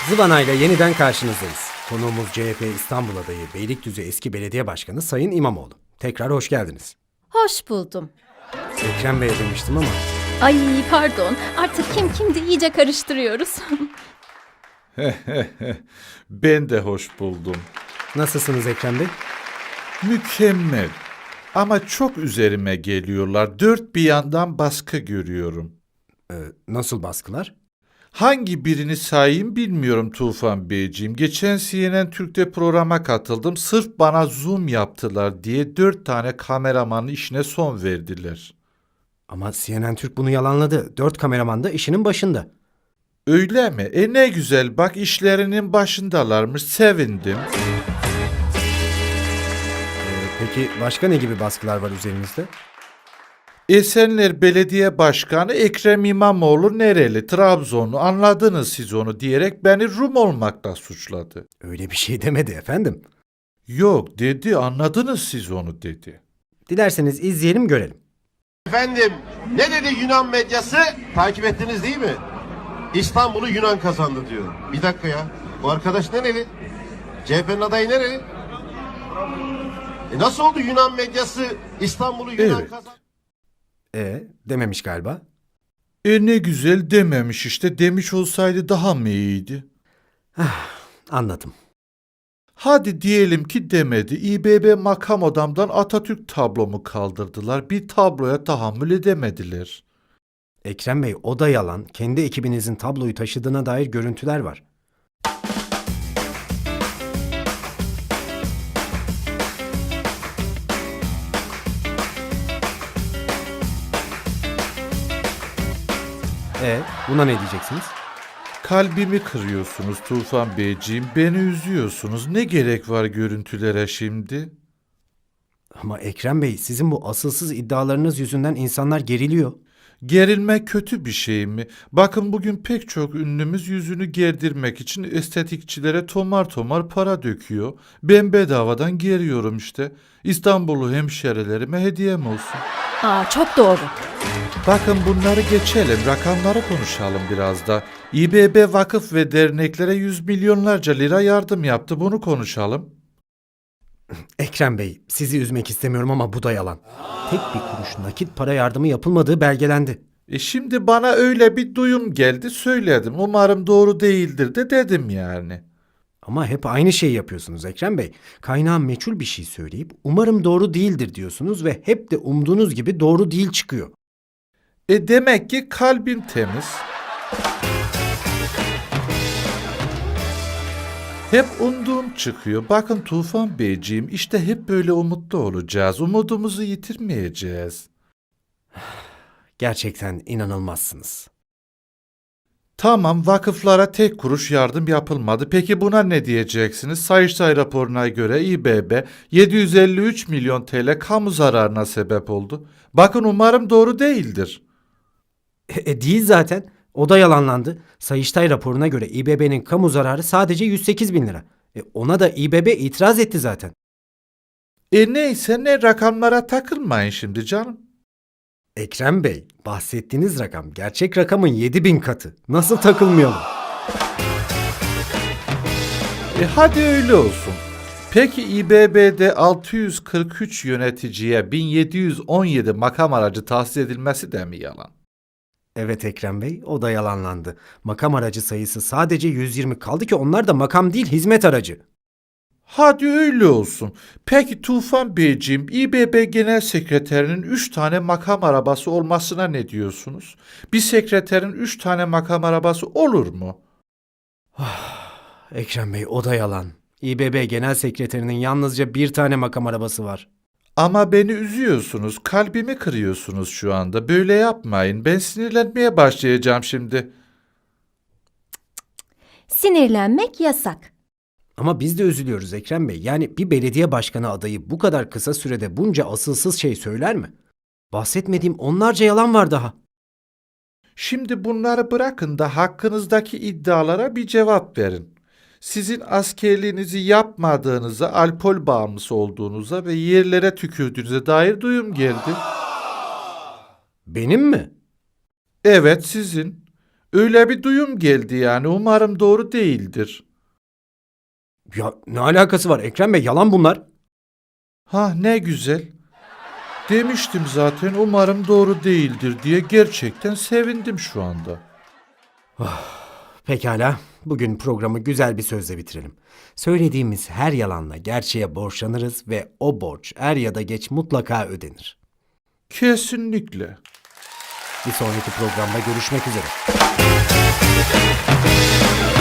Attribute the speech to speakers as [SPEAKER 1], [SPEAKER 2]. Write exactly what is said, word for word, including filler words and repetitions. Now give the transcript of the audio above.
[SPEAKER 1] Zıvana ile yeniden karşınızdayız. Konuğumuz C H P İstanbul adayı Beylikdüzü eski belediye başkanı Sayın İmamoğlu. Tekrar hoş geldiniz.
[SPEAKER 2] Hoş buldum.
[SPEAKER 1] Ekrem Bey demiştim ama
[SPEAKER 2] Ay pardon, artık kim kimdi iyice karıştırıyoruz.
[SPEAKER 3] Ben de hoş buldum.
[SPEAKER 1] nasılsınız Ekrem Bey?
[SPEAKER 3] Mükemmel. Ama çok üzerime geliyorlar. Dört bir yandan baskı görüyorum.
[SPEAKER 1] Ee, nasıl baskılar?
[SPEAKER 3] Hangi birini sayayım bilmiyorum Tufan Beyciğim. Geçen C N N Türk'te programa katıldım. Sırf bana zoom yaptılar diye dört tane kameramanın işine son verdiler.
[SPEAKER 1] Ama C N N Türk bunu yalanladı. Dört kameraman da işinin başında.
[SPEAKER 3] Öyle mi? E ne güzel bak işlerinin başındalarmış. Sevindim.
[SPEAKER 1] Ee, peki başka ne gibi baskılar var üzerinizde?
[SPEAKER 3] Esenler Belediye Başkanı Ekrem İmamoğlu nereli? Trabzonlu, anladınız siz onu diyerek beni Rum olmakla suçladı.
[SPEAKER 1] Öyle bir şey demedi efendim.
[SPEAKER 3] Yok dedi, anladınız siz onu dedi.
[SPEAKER 1] Dilerseniz izleyelim görelim.
[SPEAKER 4] Efendim ne dedi Yunan medyası? Takip ettiniz değil mi? İstanbul'u Yunan kazandı diyor. Bir dakika ya. Bu arkadaş nereli? C H P'nin adayı nereli? E nasıl oldu Yunan medyası İstanbul'u Yunan
[SPEAKER 3] Evet.
[SPEAKER 4] kazandı?
[SPEAKER 1] E dememiş galiba.
[SPEAKER 3] E ne güzel dememiş işte, demiş olsaydı daha mı iyiydi?
[SPEAKER 1] Anladım.
[SPEAKER 3] Hadi diyelim ki demedi. İBB makam odamdan Atatürk tablomu kaldırdılar. Bir tabloya tahammül edemediler.
[SPEAKER 1] Ekrem Bey o da yalan. Kendi ekibinizin tabloyu taşıdığına dair görüntüler var. E buna ne diyeceksiniz?
[SPEAKER 3] Kalbimi kırıyorsunuz Tufan Beyciğim, beni üzüyorsunuz. Ne gerek var görüntülere şimdi?
[SPEAKER 1] Ama Ekrem Bey sizin bu asılsız iddialarınız yüzünden insanlar geriliyor.
[SPEAKER 3] Gerilmek kötü bir şey mi? Bakın bugün pek çok ünlümüz yüzünü gerdirmek için estetikçilere tomar tomar para döküyor. Ben bedavadan geriyorum işte. İstanbullu hemşerilerime hediyem olsun.
[SPEAKER 2] Aa çok doğru.
[SPEAKER 3] Bakın bunları geçelim, rakamları konuşalım biraz da. İBB vakıf ve derneklere yüz milyonlarca lira yardım yaptı, bunu konuşalım.
[SPEAKER 1] Ekrem Bey sizi üzmek istemiyorum ama bu da yalan. Tek bir kuruş nakit para yardımı yapılmadığı belgelendi.
[SPEAKER 3] E şimdi bana öyle bir duyum geldi, söyledim. Umarım doğru değildir de dedim yani.
[SPEAKER 1] Ama hep aynı şeyi yapıyorsunuz Ekrem Bey. Kaynağı meçhul bir şey söyleyip umarım doğru değildir diyorsunuz ve hep de umduğunuz gibi doğru değil çıkıyor.
[SPEAKER 3] E demek ki kalbim temiz. Hep umduğum çıkıyor. Bakın Tufan Beyciğim, işte hep böyle umutlu olacağız. Umudumuzu yitirmeyeceğiz.
[SPEAKER 1] Gerçekten inanılmazsınız.
[SPEAKER 3] Tamam, vakıflara tek kuruş yardım yapılmadı. Peki buna ne diyeceksiniz? Sayıştay raporuna göre İBB yedi yüz elli üç milyon T L kamu zararına sebep oldu. Bakın umarım doğru değildir.
[SPEAKER 1] E, e, değil zaten. O da yalanlandı. Sayıştay raporuna göre İBB'nin kamu zararı sadece yüz sekiz bin lira. E, ona da İBB itiraz etti zaten.
[SPEAKER 3] E neyse, ne rakamlara takılmayın şimdi canım.
[SPEAKER 1] Ekrem Bey, bahsettiğiniz rakam gerçek rakamın yedi bin katı. Nasıl takılmayalım?
[SPEAKER 3] E hadi öyle olsun. Peki İBB'de altı yüz kırk üç yöneticiye bin yedi yüz on yedi makam aracı tahsis edilmesi de mi yalan?
[SPEAKER 1] Evet Ekrem Bey, o da yalanlandı. Makam aracı sayısı sadece yüz yirmi kaldı ki onlar da makam değil hizmet aracı.
[SPEAKER 3] Hadi öyle olsun. Peki Tufan Beyciğim, İBB Genel Sekreterinin üç tane makam arabası olmasına ne diyorsunuz? Bir sekreterin üç tane makam arabası olur mu?
[SPEAKER 1] Ekrem Bey, o da yalan. İBB Genel Sekreterinin yalnızca bir tane makam arabası var.
[SPEAKER 3] Ama beni üzüyorsunuz, kalbimi kırıyorsunuz şu anda. Böyle yapmayın, ben sinirlenmeye başlayacağım şimdi.
[SPEAKER 2] Sinirlenmek yasak.
[SPEAKER 1] Ama biz de üzülüyoruz Ekrem Bey. Yani bir belediye başkanı adayı bu kadar kısa sürede bunca asılsız şey söyler mi? Bahsetmediğim onlarca yalan var daha.
[SPEAKER 3] Şimdi bunları bırakın da hakkınızdaki iddialara bir cevap verin. Sizin askerliğinizi yapmadığınıza, alkol bağımlısı olduğunuza ve yerlere tükürdüğünüze dair duyum geldi.
[SPEAKER 1] Benim mi?
[SPEAKER 3] Evet, sizin. Öyle bir duyum geldi yani. Umarım doğru değildir.
[SPEAKER 1] Ya ne alakası var Ekrem Bey, yalan bunlar.
[SPEAKER 3] Ha ne güzel. Demiştim zaten umarım doğru değildir diye, gerçekten sevindim şu anda.
[SPEAKER 1] Pekala, bugün programı güzel bir sözle bitirelim. Söylediğimiz her yalanla gerçeğe borçlanırız ve o borç er ya da geç mutlaka ödenir.
[SPEAKER 3] Kesinlikle.
[SPEAKER 1] Bir sonraki programda görüşmek üzere.